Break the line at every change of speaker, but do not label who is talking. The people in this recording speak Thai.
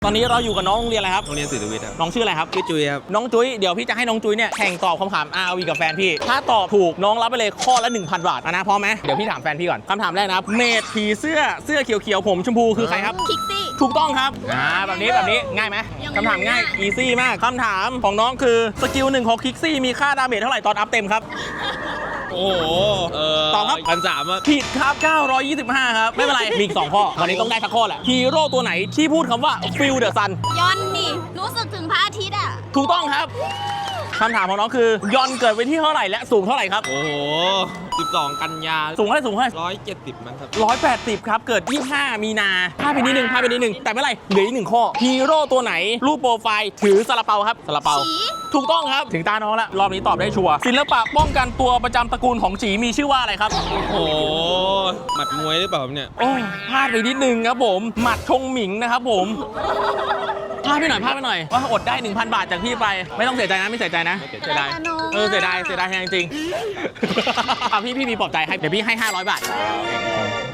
ตอนนี้เราอยู่กับน้องโรงเรียนอะไรครับ
โรงเรียนศิริวิทย์ครับ
น้องชื่ออะไรครับ
ชื่อจุ้ยครับ
น้องจุ้ยเดี๋ยวพี่จะให้น้องจุ้ยเนี่ยแข่งตอบคำถาม ROV กับแฟนพี่ถ้าตอบถูกน้องรับไปเลยข้อละ 1,000 บาทนะพร้อมไหมเดี๋ยวพี่ถามแฟนพี่ก่อนคำถามแรกนะครับเมดผีเสื้อเขียวๆผมชมพูคือใครครับ
คิกซี่
ถูกต้องครับแบบนี้ง่ายไหมคำถามง่ายอีซี่มากคำถามของน้องคือสกิล1ของคิกซี่มีค่าดาเมจเท่าไหร่ตอนอัพเต็มครับ
โอ้โห
ตอบครับ
1,300
ผิดครับ925ครับไม่เป็นไรมีอีก2ข้อวันนี้ต้องได้สักข้อแหละฮีโร่ตัวไหนที่พูดคำว่า Feel the Sun
ยอนนี่รู้สึกถึงพระอาทิตย์อ่ะ
ถูกต้องครับคำถามของน้องคือยอนเกิดวันที่เท่าไหร่และสูงเท่าไหร่ครับ
โอ้โห12 กันยา
สูงเท่าไหร่
170มั้งครับ
180ครับเกิด25 มีนาพลาดไปนิดนึงแต่ไม่เป็นไรเหลืออีก1ข้อฮีโร่ตัวไหนรูปโปรไฟล์ถือซาลาเปาครับซาลาเปาถูกต้องครับถึงตาน้องแล้วรอบนี้ตอบได้ชัวร์ศิลปะป้องกันตัวประจำตระกูลของจีมีชื่อว่าอะไรครับ
โอ้โหหมัดมวยหรือเปล่าเนี่ย
โอ้พลาดไปนิดนึงครับผมหมัดชงหมิงนะครับผมพลาดไปหน่อยว่าอดได้ 1,000 บาทจากพี่ไปไม่ต้องเสียใจนะไม่เสียใจนะ
เสียดาย
เสียดายแทนจริงๆพี่มีปลอบใจให้เดี๋ยวพี่ให้500 บาท